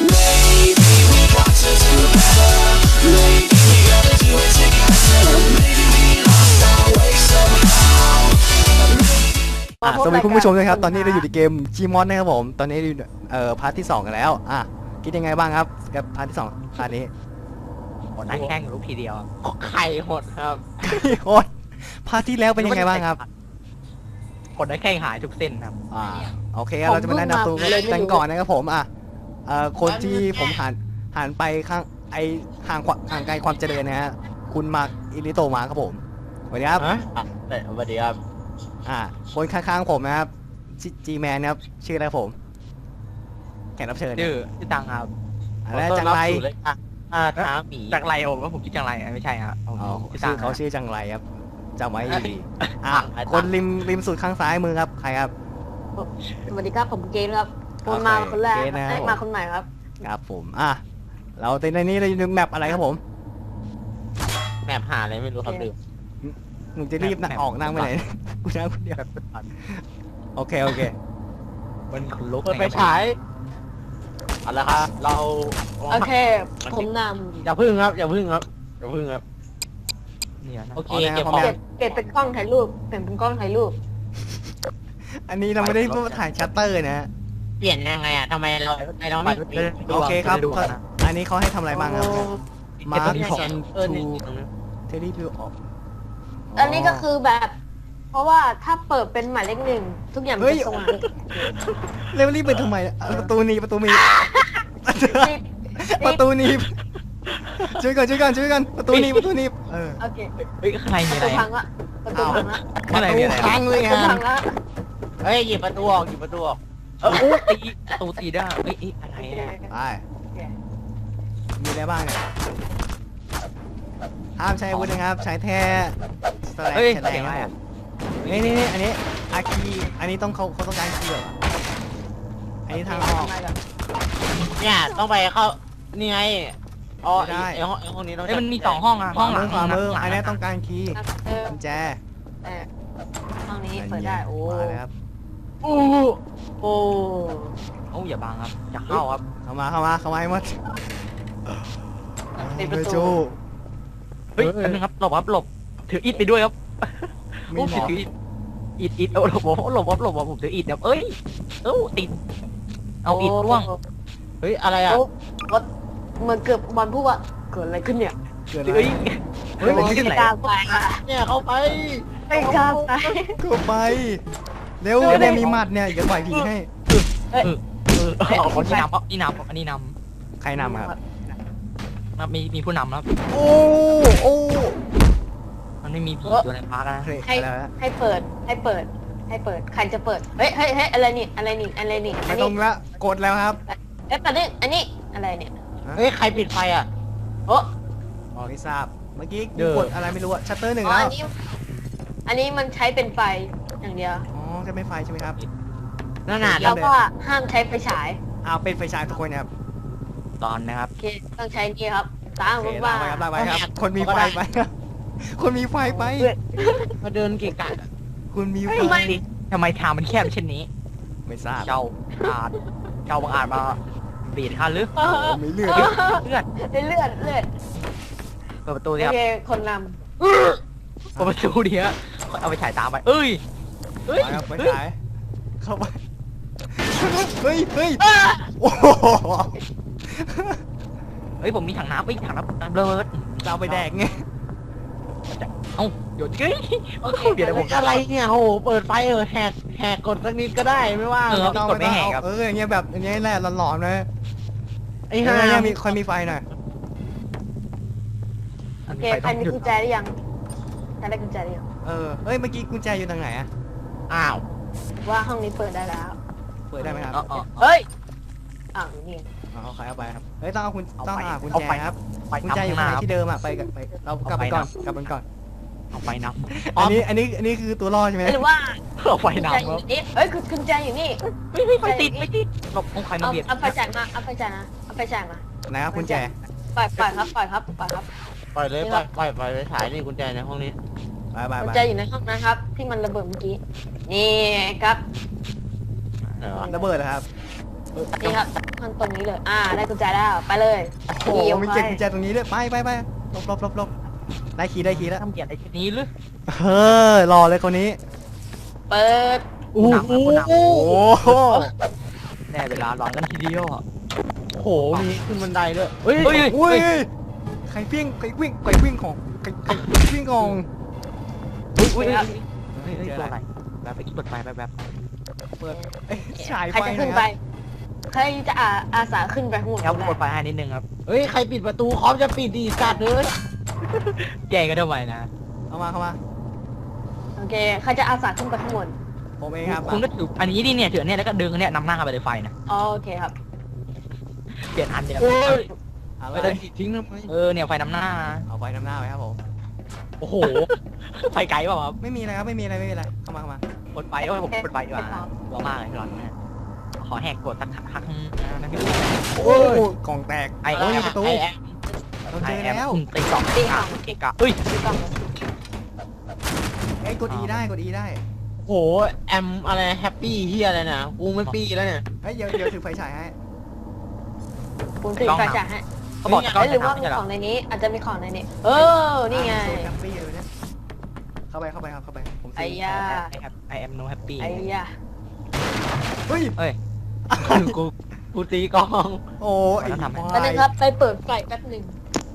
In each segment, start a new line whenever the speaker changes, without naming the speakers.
Maybe we got to do better. Maybe we gotta do it together. Maybe we lost our way somehow.
สวัสดีคุณผู้ชมนะครับตอนนี้เราอยู่ในเกม Gmod นะครับผมตอนนี้อยู่พาร์ทที่2กันแล้วคิดยังไงบ้างครับกับพาร์ทที่2พาร์ทนี้
หมดหน้าแข้งลูกทีเดียวไข่หดครับ
โคตรพาร์ทที่แล้วเป็นยังไงบ้างครับ
หดหน้าแข้งหายทุกเส้นครับ
โอเคเราจะมาแนะนำตัวกันก่อนนะครับผมคนที่ผมหันไปข้างห่างไกลความเจริญนะฮะคุณมาร์คอิริโตมาครับผมสวัสดีครับ
สวัสดีครับ
คนข้างๆผมนะครับจีแมนนะครับชื่ออะไรผมแขกรับเชิญ
ชื่อตังครับ
และจังไร
ท้าหมีจังไรโอ้ว่าผมชื่อจังไรไม่ใช่ครับ
ชื่อเขาชื่อจังไรครับจำไว้ดีคนริมสุดข้างซ้ายมือครับใครครับ
สวัสดีครับผมเกณฑ์ครับคนมาคนแรกมาคนใหม่ครับ
ครับผมเราในนี้เราอยู่ในแมปอะไรครับผม
แมปหาอะไรไม่รู้ครับลืม
มึงจะรีบออกนั่งไปไหนกูนั่งคนเดียวโอเค
มันขนลุก
ไปฉายเอาละครับเรา
โอเคผมน
อย่าพึ่งครับ
เนี่ยนะ
โอเค
ำเปลี่ยนเป็นกล้องถ่ายรูป
อันนี้เราไม่ได้ถ่ายชัตเตอร์นะฮะ
เปลี่ยนยังไงอ่ะทำไมเราไม่
โอเคครับอันนี้เขาให้ทำอะไรบ้างครับมาร์คซันทูเทลี่พิวออก
อันนี้ก็คือแบบ เพราะว่าถ้าเปิดเป็นหมายเลขหนึ่งทุกอย่างมันจะสว่าง
เร็วรีบไปทำไมประตูนี้ประตูนี้ช่วยกันประตูนี้
โอเค
เฮ้ยข้างในมี
ประ
อะไร
ตูพังละประตูพังละ
ข้างในมีอะไร
ค้างเลย
ประตู
ฮะ
พังละ
เฮ้ยหยิบประตูออก
ตีประตูตีได้เฮ้ยอะไร
ไปมีอะไรบ้างเนี่ยห้ามใช้อาวุธนะครับใช้แท้สแลก
เฮ้ย
แฉล
เสีย
ง
งอะไร
ครับ
อ่ะ
นี่อันนี้อาคีอันนี้เขาต้องการคีย์เหรออันนี้ทางออก
เนี่ยต้องไปเข้านี่ไงอ๋อไอ้ห้องนี้ต้อง
เอ้ยมันมี2ห้องอ่ะห้องหลัง
ขวามืออันนี้ต้องการคีย์กุญแจ
ห้องนี้เปิดได้โอ้
มาเลยครับ
โอ้
โอ้อย่าบังครับอย่าเข้าครับ
เข้ามาให้หมด
ปิดประ
ไม่
ตู
จู้
เฮ้ยอันนึงครับหลบถืออิฐไปด้วยครับ
มีหมอก
ถืออิฐหลบผมถืออิฐแบบติดเอาอิฐร่วง
เฮ้ยอะไรอ่ะ
รถเหมือนเกือบบอลพูดว่าเกิดอะไรขึ้นเนี่ย
เกิดอะไร
เฮ้ย
ไม่กล้าไป
เนี่ยเข้าไป
ไม่กล้าไป
ก็ไปเร็วเนี่ยมีหมัดเนี่ยอย่าปล่อยผีให้
คนที่นำอันนี้น
ใครนำครับ
ำมีผู้นำครับ
โอ้
มันไม่มีผีตัวในพาร์กนะ
ให้เปิดใครจะเปิดเฮ้ยอะไรนี่
ไม่ต้องละกดแล้วครับ
ตอนนี้อันนี้อะไรเนี่ย
เฮ้ยใครปิดไฟอ่ะ
โอ้
ไม่ทราบเมื่อกี้กดอะไรไม่รู้อะชัตเตอร์หนึ่ง
อั
แล้ว
นนี้มันใช้เป็นไฟอย่างเดียว
จะไม่ไฟใช่ไหมครับ
นั่นน่ะ
แล้วก็ห้ามใช้ไฟฉาย
เป็นไฟฉายทุกคนนะครับ
ตอนนะครับ
โอเคต้องใช้นี่ครับตาม
โอเค
ว่า
ลากไปครับคนมีไฟไปคนมีไฟไป
มาเดินเกะกะ
คุณมีไฟ
ทำไมทางมันแคบเช่นนี้
ไม่ทราบ
เจ้าบังอาจมาเบียดข้าหรือ
มีเลือด
เลือด
เลือด
เปิดประตู
โอ
ดิครับ
เคคนน
เปิดประตูดิฮะเอาไปฉายตามไปเอ้ย
ครับไฟฉายเข้าไปเฮ้ยโอ้โห
เฮ้ยผมมีถังน้ำเบิร์ด
เราไปแดกไง
เอ้าเดี๋ยวเฮ้ยเดี๋ยวผม
อะไรเนี่ยโหเปิดไฟแหกกดสักนิดก็ได้ไม่ว่า
อย่างเงี้ยแบบอย่างเงี้ยแหละหลอนๆเลย
ไอ้ห่า
เนี่ยมีคนมีไฟหน่อย
ำโอเคใครมีกุญแจหรือยังใครได้กุญแจหรือยัง
เฮ้ยเมื่อกี้กุญแจอยู่ทางไหนอะ
อ้าว
ว่าห้องนี้เปิดได้แล้ว
เปิดได้ไหมครับ
เฮ้ยนี่
เอาใครเอาไปครับเฮ้ยต้องหากุญแจครับ
ไป
กุญแจอยู่ไหนที่เดิมอะไปเรากลับไปก่อน
เอาไปน้ำ
อันนี้คือตัวรอดใช่ไหม
หรือว่า
เอาไป
กุญ
น้
แจอยู่นี่เฮ้ยกุญแจอยู่นี่
ำไม่ติดหลบของใครมาเบียด
เอาไฟฉายมา
นะครับกุญแจ
ปล่อยครับ
ปล่อยเลยปล่อยไปถ่ายนี่กุญแจในห้องนี้
ไป
กุญแจอยู่ในห้องนั้นครับ ที่มันระเบิดเมื่อกี้นี่ครับ
ไหนวะ
ระเบิดเหรอครับ
นี่ครับมันตรงนี้เลย ได้กุญแจแล้วไปเลย
โอ้โห
ขี่
มี
ออก
เก็บ
ไป
กุญแจตรงนี้ด้วยไปหลบได้คีย์แล้ว
ทำเกียรติไอ้ชนี้หรือ
รอเลยคนนี้
เปิด
อู้หู
โอ้โห
แน่เวลาร้อนกันทีเดียวอะ
โอ้โหมีขึ้นบันไดด้วยเฮ้ย
เฮ้ย
อุ้ยใครวิ่งของใครวิ่งของ
อุ้ยตัวอะไรแบบไปเปิดไฟแบบ
เปิดฉาย
ใคร
ไฟ
จะ
หน่
ขึ้
อน ย
ไป
ครับ
ใครจะอาสาขึ้นไปข้างบน
แล้วกดไฟให้นิดนึงครับ
เฮ้ยใครปิดประตูคอมจะปิดดีสัตว์เลย
แกก็ทำไมนะ
เข้ามา
โอเคใครจะอาสาขึ้นไปข้างบน
ผมเองครับ
คุณก็ถืออันนี้ดิเนี่ยถือเนี่ยแล้วก็ดึงเนี่ยนำหน้าเข้าไปในไฟนะ
โอเคครับ
เปลี่ยนอันเดียว
โอ้ย
อะไร
ไปเดินทิ้งทำไม
เนี่ยไฟนำหน้า
เอาไฟน้ำหน้าไว้ครับผม
โอ้โหไฟไกลเปล่าครับ
ไม่มีอะไรครับไม่มีอะไรเข้ามาก
ดไฟผมกดไฟดีกว่าร้อนมากเลยร้อนมากขอแหกกดสักพักนะพี่
โอ้กล่องแตก
ไอ้
โอ้ยประตู
ไอ้แอม
เราเจอแล้ว
ตีสองเกะกะเฮ้ย
ดูกล้อง
ไอ้กด E ได้
โอ้โหแอมอะไรแฮปปี้เฮียอะไรนะกูไม่ปี้แล้วเนี่ย
เฮ้ยเดี๋ยวถือไฟฉายให้
ผมถือไฟฉายให้
เขาบอกจะก้อน
หรือว่า
ไม่
มี
ใช่หร
ข
อ
องในนี้ อาจจะมีของในนี้ นี่ไง
แฮปปี้เลยเนี่ยเข้าไปครับเข้าไปผม
ไอ้ยา
I am no happy
ไอ้ยา
เฮ้ย
เอ้ย
กูตีกลอง
โอ้ไอ้
แล้วทำไง
แป๊บนึงครับ ไปเปิดไฟแป๊บหนึ่ง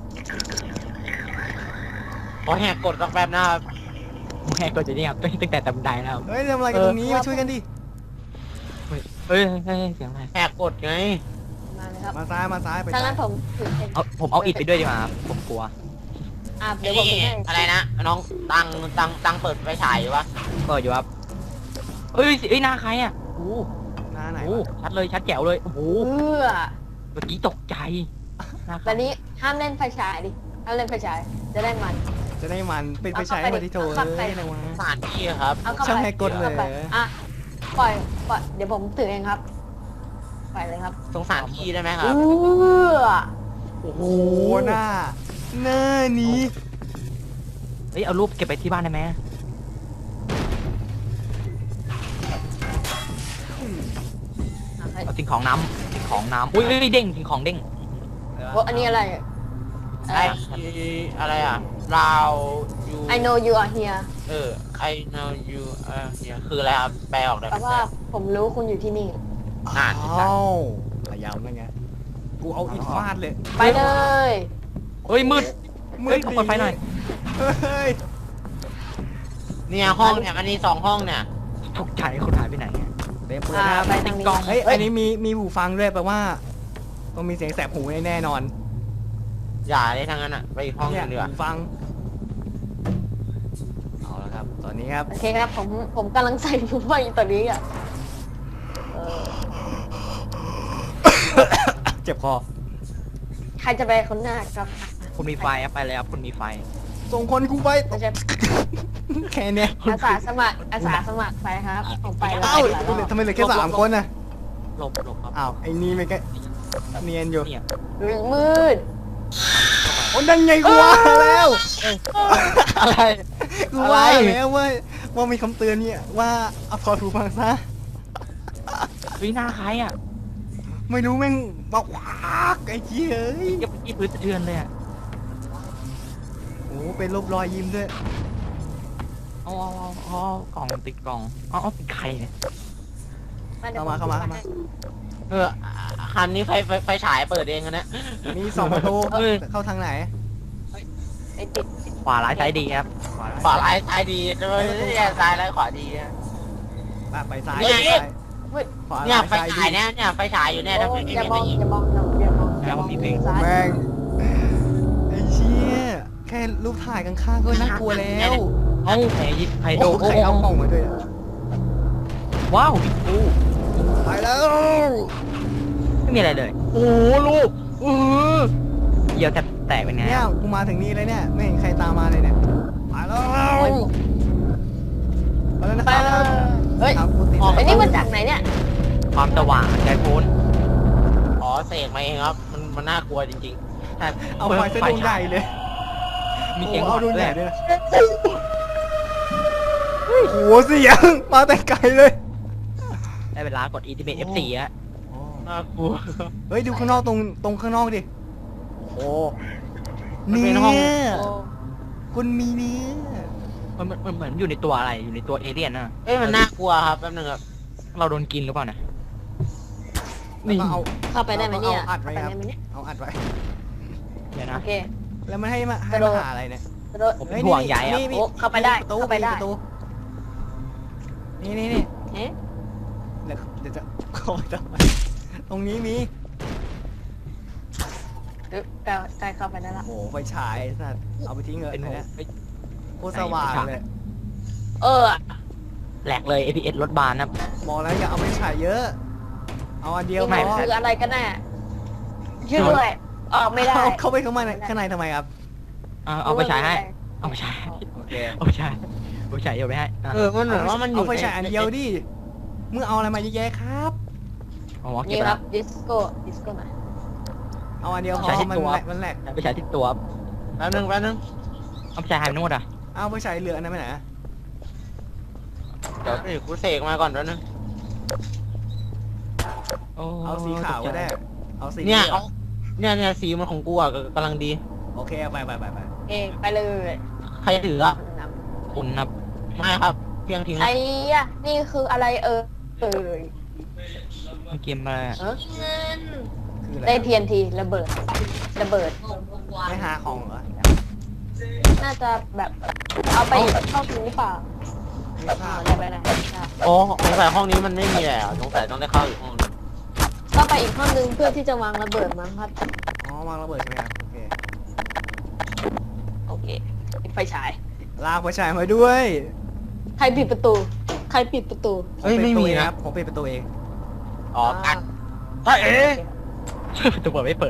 ขอแหกกดสักแป๊บนะครับ
แหกกดจะเนี่ยตั้งแต่ตำไดแล้ว
เฮ้ยทำอะไรกันตรงนี้มาช่วยกันดิ
เฮ้ยเสียงอะไร
แหกกดไง
มาเลยครับ
มาซ้ายไป
ถ้างั้นผมถือเอง
ผมเอาอิดไปด้วยดีกว่าผมกลัว
เดี๋ยวผมถือให้
อะไรนะน้องตังเปิดไฟฉายอยู่ปะ
เปิดอยู่ครับเฮ้ยหน้าใครอ่ะโอ้
หน้าไหน
โหชัดเลยชัดแจ๋วเลยโอ้โห
เพื่อ
เมื่อกี้ตกใจหน้าใคร
แบบนี้ห้ามเล่นไฟฉายดิ ห้ามเล่นไฟฉาย จะได้มัน
จะได้มันเป็นไปใช้มาที่โถเอ้ยอะไรวะ
สถานที่ครับ
เอาเข้า
ช่าง
ไป
ให้กดเลย
อาข้าไปปล่อย เดี๋ยวผมถือเองครับ ปล่อยเลยครับ
สงสารที่ได้ไหมครับ
เพื่อ
โอ้โหหน้านี้
เฮ้ยเอารูปเก็บไปที่บ้านได้ไหมเอาสิ่งของน้ำอุ้ยเด้งสิ่งของเด้ง
อันนี้อะไร
ไออะไรอ่ะเรา you
I know you are here
I know you เนี่ยคืออะไรครับแปลออกได้ไหม
แปลว่าผมรู้คุณอยู่ที่นี่
อ่าน
อ้าวพยายามนั่นไงกูเอาอิฐฟาดเลย
ไปเลย
เฮ้ยมืด
มื
เฮ้ย
ด
เปิดไฟหน่อย
เฮ้ย
เนี่ยห้องเนี่ยมันมี2ห้องเนี่ย
ตกใจคนหายไปไหนอะ
เต็มเปิดนะครับ
ไปทางนี้
กล้อง
เฮ้ยอันนี้มีหูฟังด้วยแปลว่าต้องมีเสียงแสบหูแน่นอน
อย่าได้ทั้งนั้นอ่ะไปอีกห้องหนึงดีกว่า
หูฟังเอาละครับ ตอนนี้ครับ
โอเคครับ ผมกำลังใส่หูฟังอยู่ตอนนี้อ่ะเออ
เจ็บคอ
ใครจะไปคนหน้าครับ
คุณมีไฟอะไปแล้วคุณมีไฟ
ส่งคนกูไป
ไม่ใช่
แค่เนี้ย
อาสาสมัครไปครับผมไปแล้ว
เอ้าทำไมเหลือแค่3 คนน่ะ
หลบครับ
อ้าวไอ้นี่ไม่แค่เนียนอยู่
เนี่ย
มืด
โอ้นั่นไงกูว่าแล้ว
อะไร
กูว่าแล้วว่ามีคำเตือนเนี่ยว่าเอาถอดหูฟังซะ
เฮ้ยหน้าใครอ่ะ
ไม่รู้แม่งบอกว้ากไอ้เหี้ยเอ้ย
เก็บที่พื้นสะเทือนเลยอ่ะ
โอ้เป็นรูปรอยยิ้มด้วย
อ๋อกล่องติดกล่องอ๋อเป็นใครเนี่ย
ดี๋ยวผ
เข้ามา
คันนี้ไฟฉายเปิดเองกันนะ
มี2 ประตูเข้าทางไหน
ไอ้ติด
ขวาร้ายซ้ายดีครับ
ขวาร้ายซ้ายดีจะไม่ใช่ซ้ายร้ายขวาดีนะ
ไปซ้าย
เนี่ย
ขวา
เนี่ยไฟ
ซ้าย
ฉายเนี่ยไฟฉายอยู่เนี่ยถ้าไม่
อย่ามอง
มี
อย่ามอง
แล้วผมมีเพลง
ซ้าย
แม่งไอ้เชี่ยแค่รูปถ่ายข้างๆก็น่ากลัวแล้ว
เอ้าใคร
โอ้
โด
ใครเอากล่องมาด้วยอะ
ว้าวบิ๊กฟู
ไปแล้ว
ไม่มีอะไรเลย
โอ้โหลูก
เยี่ยวแตกเป็นไง
เนี่ยกูมาถึงนี่เลยเนี่ยไม่เห็นใครตามมาเลยเนี่ยไปแล้วไปแล้วนะ
ไป
ครับ
เลยเฮ้ย
ครับกูติด
ไอ้นี่มาจากไหนเนี่ย
ความสว่างใจโพ้น
อ๋อเสกมาเองครับมันน่ากลัวจริง
เอาไฟเส้นดวงใหญ่เลย
มีเสียง
เอาดวง
ด้
ให
ว
ญ่
ย
ด้วยนะโอ้โหเสียงมาแต่ไกลเลย
ได้เวลากด Ultimate F4 อะ
โ
น่ากลัว
เฮ้ยดูข้างนอกตรงข้างนอกดิโอ้
มัน
เนื้
เป็นห้อง
อ
โอ้
คุณมีเนื้อ
มันเหมือนอยู่ในตัวอะไรอยู่ในตัวเอเลี่ยนนะ
เอ้ยมันน่ากลัวครับแป๊บนึงครับ
เราโดนกินหรือเปล่านะ
แล้วก็เอา
เข้าไปได้ไหมเนี่ย
เอาอัดไว้ครับ
เข้าปด้ไหมเนี่ย
เอาอัดไว้
เดี๋ยว
โอ
นะ
เค
แล้วมันให้มาก
ระโดด
หาอะไรเนี่ย
กระโดด
ผมเป็นห่วงใหญ่อะ
นี่
โอ้เข้าไปได้
ประตู
เข้าไปได้
ประตูนี่
เอ๊ะ
เดี๋ยวจะเข้าไปทำไมตรงนี้มี
ใกล้เข้าไปได้ละ
โอ้โหไฟฉายสัตว์เอาไปทิ้งเถอะ
เป็น
อัน
ห่วง
เนี้ย
เฮ้ย
โคตรสว่างเลย
เออ
แหลกเลย APS รถบานนะครับ
บอกแล้วอย่าเอาไปฉายเยอะ เอาอันเดียว
ไม่
พอ
คืออะไรกันแน่ช่วยด้วยออกไม่ได้
เอาเข้าไปข้างในทำไมครับ
เอาไปฉายให้เอาไปฉาย
โอเค
เอาไปฉายเอาไปฉายเดี๋ยวไปให้อ่ะ
มันเหมือนว่ามันอยู่
เอาไฟฉายอันเดียวดิมึงเอาอะไรมาเยอะแยะครับ
เอาหมอเก็บ
นี่
ไป
ค
แล้
รั
ว
บดิสโก้มา
เอาอันเดียวพอ
ใช้ที่
มัน
ตัว
แหลกมันแหลก
เอาไปฉายที่ตัว
แป๊บนึง
เอาไปฉายไฮโนดอ่ะ
เอาไฟฉายเหลืออันนั้นไปไหน
เดี๋ยวกูเสกมาก่อนแป๊บนึง
เอาสีขาวก็ได้เอาสี
เนี่ย
หลื
เอา
ง
เนี่ยสีมันของกูอ่ะกำลังดี
โอเคเอาไป
เองไปเลย
ใครถืออ่ะ
คุณครับ
ไม่ครับ เพียงทิ้ง
ไอ้ยะนี่คืออะไรเอ่ย
เกมอะไรอะ
คืออะไร
ได้ TNT ระเบิด
ไม่หาของเหรอ
น่าจะแบบเอาไปเข้าถึงหรือเปล่า
ไม่ทราบ
ได้ไปไหน
โอ้สงสัยห้องนี้มันไม่มีแล้วสงสัยต้องได้เข้าอีกห้องนึง
ก็ไปอีกห้องนึงเพื่อที่จะวางระเบิดมั้งครับ
อ๋อวางระเบิดใช่ไหมครับโอเค
โอเคปิดไฟฉาย
ลากไฟฉายมาด้วย
ใครปิดประตู ใครปิดประตู
เฮ้ยไม่มี
ผปิดประตูเอง
นะ
ครับผมปิดประตูเอง
อ๋อกัดถ้าเอ๊ะ
ตัวเปิดไม่เปิด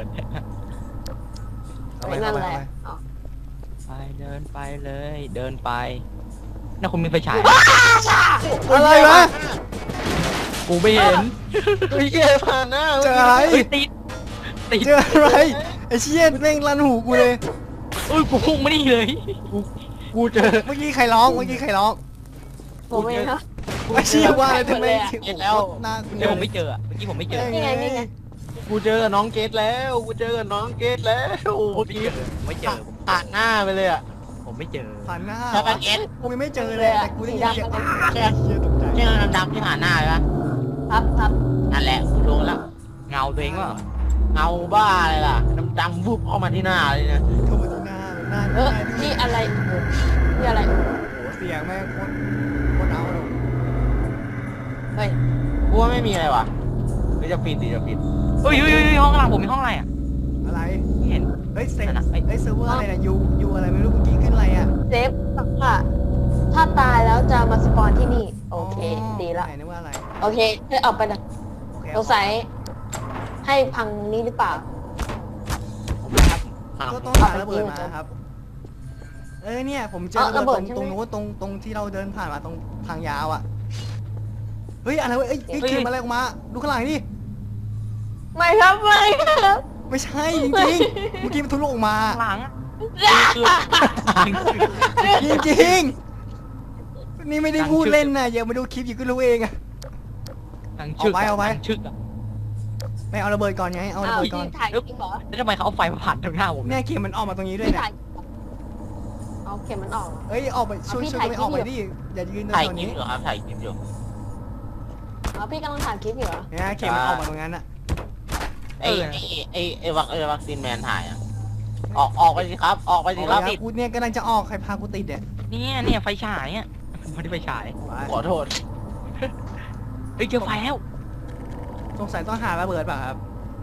เอาไป
นั่
เอา
น
ไป
แหละ
เอาไป
ไปเดินไปเลยเดินไปน่าคุณมีไฟฉาย
อะไรวะ
กูไม่เห็น
เฮ้ยเหี้ยผ่านหน้า
เจออะไร
เฮ้ยติด
เจออะไรไอ้เชี่ยแม่งลั่นหูกูเลย
เอ้ยกูพุ่งมานี่เลย
กูเจอ
เมื่อกี้ใครร้องเมื่อกี้ใครร้อง
ผมเองครับ
ไอ้เชี่ยว่าอะไรทำไม
เห็นแล้ว
หน้า
เดี๋ยวผมไม่เจออะเมื่อกี้ผมไม่เจอ
นี่ไงนี่ไง
กูเจอกับน้องเกดแล้วกูเจอกับน้องเกดแล้วโอ้
ผม
เมื่อ
ไม่
กี้
เจอผมไม่เจอ
ผ่านหน้าไปเลยอ่ะ
ผมไม่เจอ
ผ่านหน้า
ใช่ปะเอ็ด
กูยังไม่เจอเลยแต่กูได้ยินเสียงอ้า
ใช่
เชี่ยตกใจ
ใช่ดำๆที่ผ่านหน้าเลยปะ
ครับ
นั่นแหละกูรู้แล้ว
เงาตัวเองว่า
เงาบ้าเลยล่ะดำๆวุบเข้ามาที่หน้าเลยเนี่ย
เข้ามาที่หน้าหน้า
เออ
หน้า
นี่อะไรนี่อะไร
โอ้โหเสียงแม่งโคตรเอาเลย
เฮ้ย
กูว่าไม่มีอะไรว่ะหรือจะปิดดิจะปิด
เฮ้ยห้องข้างหลังผมมีห้องอะไรอ่ะ
อะไร
ไม่เห็น
เฮ้ยเซฟ
นั่นน่ะ
เฮ้ยเซิร์ฟเวอร์อะไรนะยูอะไรไม่รู้เมื่อกี้ขึ้นอะไรอ่ะ
เซฟค่ะถ้าตายแล้วจะมาสปอนที่นี่ โอเค ดีละ
ไหนนึกว่าอะไร
โอเคให้ออกไปนะ
โอเค
สงสัยให้พังนี้หรือเปล่า
ผมนะครับ
ก็ต้องหาระเบิดมาครับ เนี่ยผมเจอ
เอาระเบิด
ต
ใช่
รง
ไหม
นู้นตรงที่เราเดินผ่านมาตรงทางยาวอ่ะ เฮ้ยอะไรวะเอ้ยเขียนมาอะไรออกมา ดูข้างหลังดิ
ไม่ครับไม่ครับ
ไม่ใช่จริงๆ เมื่อกี้มันทะลุออกมา
ข้างหลังอะ
จริงๆ นี่ไม่ได้พูดเล่นนะอย่ามาดูคลิปอยู่ก็รู้เองอะ
ทางชึก
เอาไว้
ทางชึกอะ
ไปเอาระเบิดก่อนไง เอาระ
อ้าว
เบิดก่อน
ที่ถ่ายจริงเหรอ
แล้วทำไมเขาเอาไฟมาผ่านตรงหน้าผม
เนี่ยเข็มมันออกมาตรงนี้ด้วย
ที่
เนี่ย
ถ่ายเอาเข็มมันออกเหรอ
เอ้ยออกไปช่วย
พี่
ช่วย
ถ่าย
กันไปออกไป
คลิปอยู่
ดิ อย่ายืนตร
ถ่าย
ง
คลิ
นี้
ปอยู่ครับถ่ายคลิปอยู่
อ๋อพี่กำลังถ่ายคลิปอยู่เหรอ
เนี่ยเข็มมันออกมาตรงนั้นอะ
ไอ้วัคซีนแมนถ่ายอ่ะออกไปสิครับ ออกไปสิครับ
กูเนี่ยกำลังจะออกใครพากูติดเนี่ย
เนี่ยไฟฉายอ่ะไม่ได้ไฟฉาย
ไป
ขอโทษ
เฮ้ยเจอไฟแล้ว
สงสัยต้องหาระเบิดเปล่ะครับ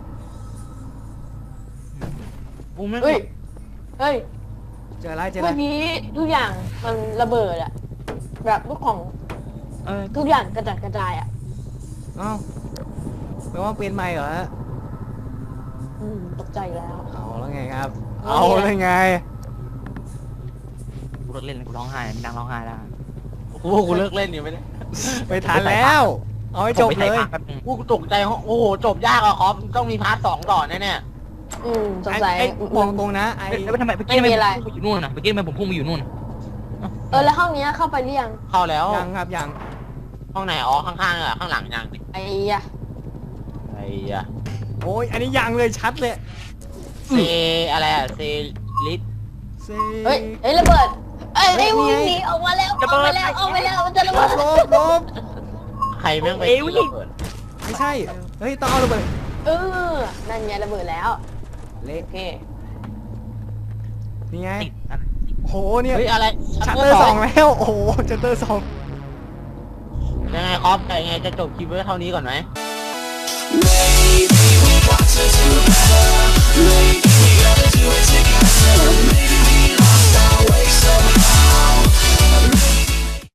กูไม่
เฮ้ย เฮ้ย
เจออะไรเจออะไร
เมื่อกี้ทุกอย่างมันระเบิดอะแบบลูกของ
เออ
ทุกอย่างกระจัดกระจายอะ
เอ้าแปลว่าเปลี่ยนใหม่เหรอฮะ
ตกใจแล้ว
เอาแล้วไงครับ
เอา
เอา
ไง
แล้วไง
กูเลิกเล่นแล้วกูร้องไห้ไม่ดังร้องไห้แล้ว
กูเลิกเล่นอยู่ไม่ได้
ไปทันแล้ว เอาให้จบ
ผมไป
เล
ใส่
ย
ปากแป๊บนึง
กูตกใจโอ้โหจบยากอะคอมต้องมีพาร์ท 2ต่อแน่
สงสัย
ไอ้บอกตรงนะไอ้
แล้วทำไมเมื่อกี้ทำไมผมพุ่งไปอยู่นู่นน่ะเมื่อกี้ทำไมผมพุ่งไปอยู่นู่น
แล้วห้องเนี้ยเข้าไปหรือยัง
ๆเข้าแล้ว
ยังครับยัง
ห้องไหนอ๋อข้างๆอะข้างหลังยัง
ไอ้ยะ
ไอ้อะ
โอ้ยอันนี้ยังเลยชัดเลย
เซอะไรอะเซลิส
เซ
เฮ้ยเฮ้ยระเบิดเอ้ย
เฮ้ย
วิ่ง
นี่ไง
หนีออกมาแล้วออกมาแล้วออกมาแล้วมันจะระ
ล
เบิด
บลบ
ใครแม่งไป
เอ้ย
ตี
วิ่ง
ระเบิด
ไม่ใช่เฮ้ยต้องเอาระเบิด
เออนั่นไงระเบิดแล้ว
เละ
โอเค
นี่ไง
ติดอัน
โหเนี่ย
เฮ้ยอะไร
ชัตเตอร์สองแล้วโอ้โหชัตเตอร์สอง
ยังไงครับแต่ยังไงจะจบคลิปไว้เท่านี้ก่อนไหม
Maybe we got to do better. Maybe